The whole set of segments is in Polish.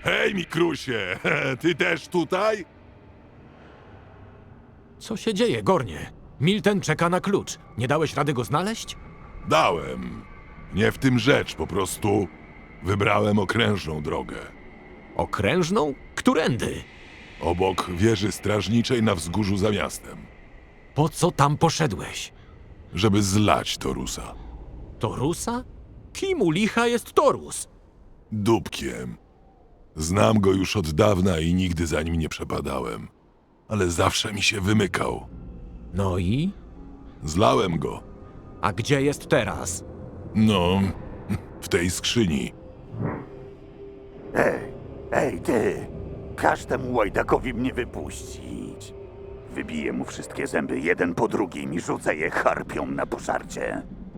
Hej, Mikrusie, ty też tutaj? Co się dzieje, Gornie? Milten czeka na klucz. Nie dałeś rady go znaleźć? Dałem. Nie w tym rzecz, po prostu wybrałem okrężną drogę. Okrężną? Którędy? Obok wieży strażniczej na wzgórzu za miastem, Po co tam poszedłeś? żeby zlać Torusa. Torusa? Kim u licha jest Torus? Dupkiem. Znam go już od dawna i nigdy za nim nie przepadałem. Ale zawsze mi się wymykał. No i? Zlałem go. A gdzie jest teraz? No, w tej skrzyni. Ej, ty! Każ temu łajdakowi mnie wypuścić. Wybiję mu wszystkie zęby jeden po drugim i rzucę je harpią na pożarcie.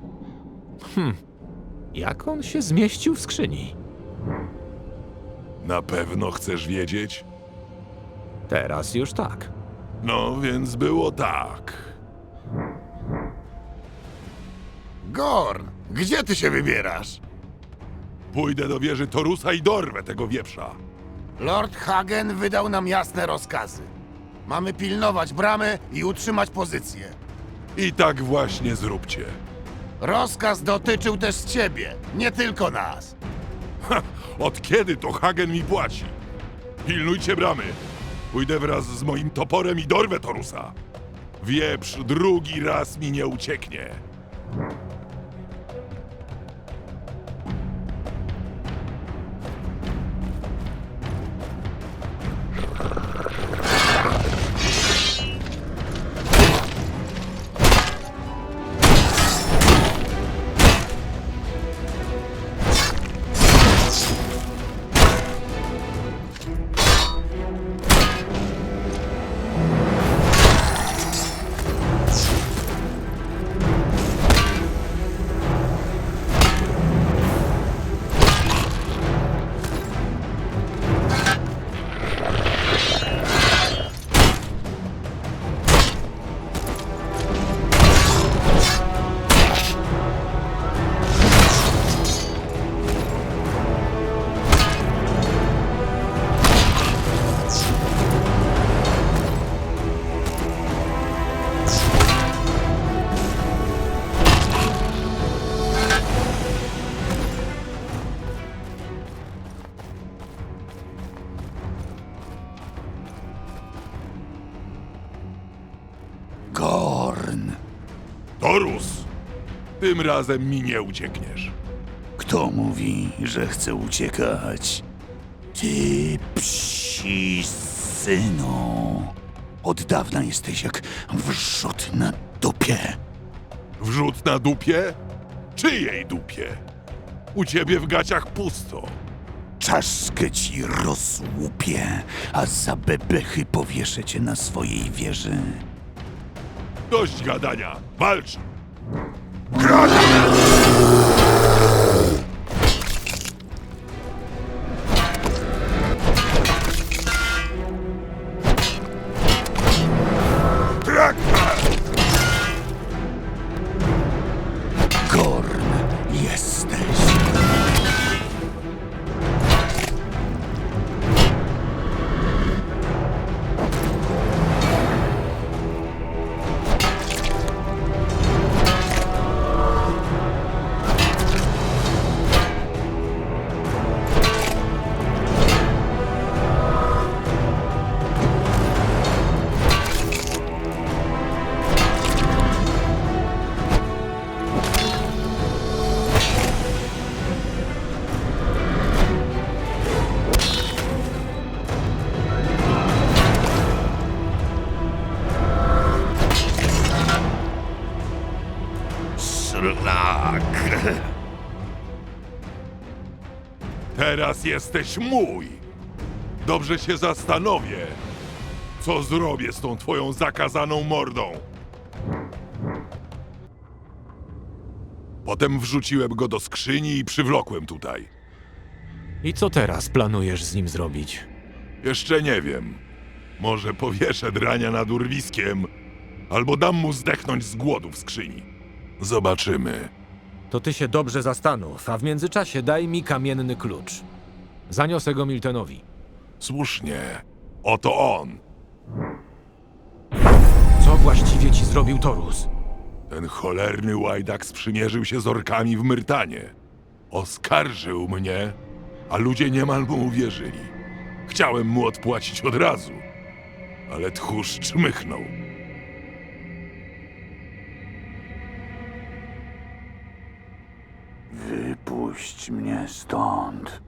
Jak on się zmieścił w skrzyni? Na pewno chcesz wiedzieć? Teraz już tak. No, więc było tak. Gorn, gdzie ty się wybierasz? Pójdę do wieży Torusa i dorwę tego wieprza. Lord Hagen wydał nam jasne rozkazy. Mamy pilnować bramy i utrzymać pozycję. I tak właśnie zróbcie. Rozkaz dotyczył też ciebie, nie tylko nas. Od kiedy to Hagen mi płaci? Pilnujcie bramy. Pójdę wraz z moim toporem i dorwę Torusa. Wieprz drugi raz mi nie ucieknie. Gorn! Torus! Tym razem mi nie uciekniesz. Kto mówi, że chce uciekać? Ty psi synu! Od dawna jesteś jak wrzut na dupie. Wrzut na dupie? Czyjej dupie? U ciebie w gaciach pusto. Czaszkę ci rozłupię, a za bebechy powieszę cię na swojej wieży. Dość gadania. Walcz! Gorn jesteś. Szlak! Teraz jesteś mój! Dobrze się zastanowię, co zrobię z tą twoją zakazaną mordą. Potem wrzuciłem go do skrzyni i przywlokłem tutaj. I co teraz planujesz z nim zrobić? Jeszcze nie wiem. Może powieszę drania nad urwiskiem, albo dam mu zdechnąć z głodu w skrzyni. Zobaczymy. To ty się dobrze zastanów, a w międzyczasie daj mi kamienny klucz. Zaniosę go Miltenowi. Słusznie. Oto on. Co właściwie ci zrobił Torus? Ten cholerny łajdak sprzymierzył się z orkami w Myrtanie. Oskarżył mnie, a ludzie niemal mu uwierzyli. Chciałem mu odpłacić od razu, ale tchórz czmychnął. Wypuść mnie stąd.